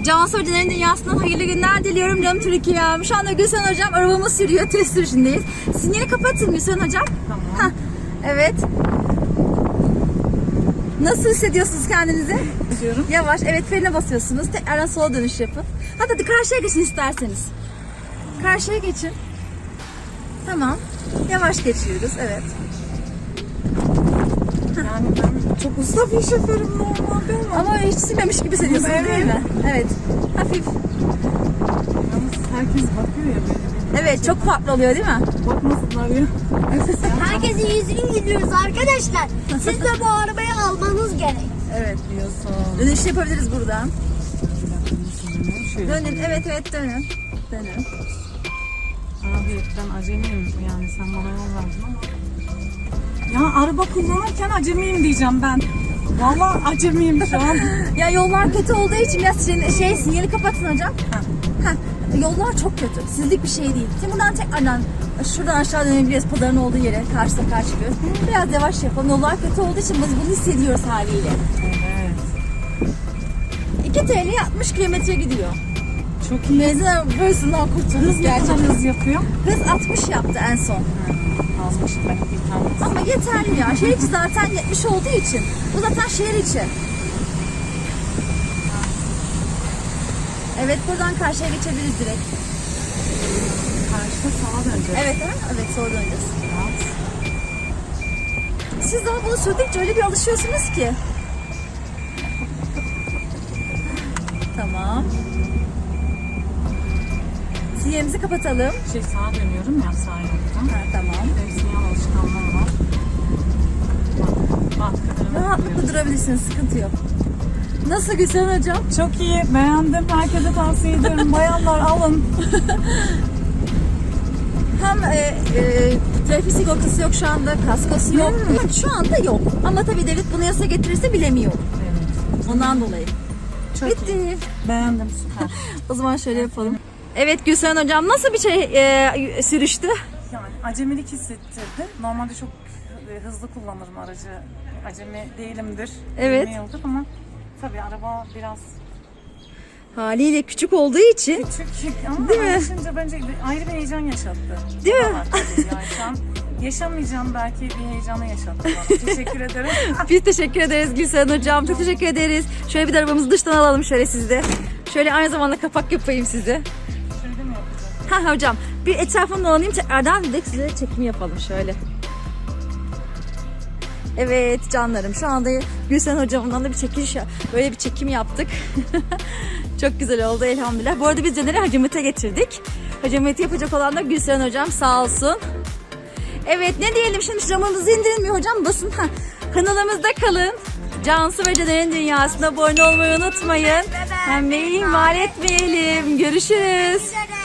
Cansu Hoca'nın dünyasından hayırlı günler diliyorum canım Türkiye'm. Şu anda Gülsen Hocam arabamız sürüyor, test sürüşündeyiz. Sinyali kapatın Gülsen Hocam. Tamam. Hah, evet. Nasıl hissediyorsunuz kendinizi? Diyorum. Yavaş, evet, frene basıyorsunuz. Tekrardan sola dönüş yapın. Hadi karşıya geçin isterseniz. Karşıya geçin. Tamam. Yavaş geçiyoruz, evet. Yani ben çok usta bir şoförüm normalde ama. Ama hiç sürmemiş gibi hissediyorsunuz Evet. değil mi? Evet. Hafif. Yalnız herkes bakıyor ya böyle. Evet, çok farklı oluyor değil mi? Bakmasınlar ya. Herkesin yüzünü gülüyoruz arkadaşlar. Siz de bu arabayı almanız gerek. Evet. Diyorsun. Dönüş yapabiliriz buradan. Şöyle. Dönün, evet dönün. Dönün. Abi ben acemiyim yani sen bana yol verdin ama. Ya araba kullanırken acemiyim diyeceğim ben. Vallahi acemiyim şu an. Ya yollar kötü olduğu için biraz sinyali kapatın hocam. Yollar çok kötü. Sizlik bir şey değil. Şimdi buradan tekrardan şuradan aşağı dönebiliriz. Pazarın olduğu yere karşı sefer çıkıyoruz. Biraz yavaş yapalım. Yollar kötü olduğu için biz bunu hissediyoruz haliyle. Evet. 2 TL 60 kilometre gidiyor. Çok iyi. Benzin arabasından kurtulduk Hız ne kadar gerçekten. hız yapıyor? Hız 60 yaptı en son. Azmış ben bir tane. Ama yeterli ya. Şehir içi zaten 70 olduğu için. Bu zaten şehir içi. Evet, buradan karşıya geçebiliriz direkt. Karşıda sağa döneceğiz. Evet, evet, sonra döneceğiz. Siz daha bunu sürdükçe öyle bir alışıyorsunuz ki. Tamam. Sinyalimizi kapatalım. Sağa dönüyorum ya sağ yoldan. Ha, tamam. Sinyal alışkanlığım var. Bak. Rahatlıkla durabilirsiniz, sıkıntı yok. Nasıl Gülsen Hocam? Çok iyi, beğendim. Herkese tavsiye ediyorum. Bayanlar alın. Hem trafik sigortası yok şu anda, kaskosu yok. Şu anda yok. Ama tabii devlet bunu yasa getirirse bilemiyorum. Evet. Ondan dolayı. Çok Bitti. iyi. Beğendim, süper. O zaman şöyle yapalım. Evet Gülsen Hocam, nasıl bir sürüştü? Yani acemilik hissettirdi. Normalde çok hızlı kullanırım aracı. Acemi değilimdir. Evet. 20 yıldır ama tabii araba biraz Haliyle küçük olduğu için. küçük ama Değil mi? alışınca bence ayrı bir heyecan yaşattı. Değil mi? O da var tabii. Yani şu an yaşamayacağım belki bir heyecanı yaşattı bana. Teşekkür ederim. Biz teşekkür ederiz Gülsen Hocam. Çok teşekkür ederiz. Şöyle bir de arabamızı dıştan alalım şöyle sizde. Şöyle aynı zamanda kapak yapayım size. Şöyle mi yapacağım? Ha hocam, bir etrafını dolanayım tekrardan bir de size çekimi yapalım şöyle. Evet canlarım, şu anda Gülsen Hocam'dan da böyle bir çekim yaptık. Çok güzel oldu elhamdülillah. Bu arada biz Caner'i Hacımet'e getirdik. Hacımet'i yapacak olan da Gülsen Hocam sağ olsun. Evet, ne diyelim şimdi, camımızı indirilmiyor hocam, basın. Kanalımızda kalın. Cansu ve Caner'in dünyasına abone olmayı unutmayın. Hem ihmal etmeyelim. Görüşürüz. Üzere.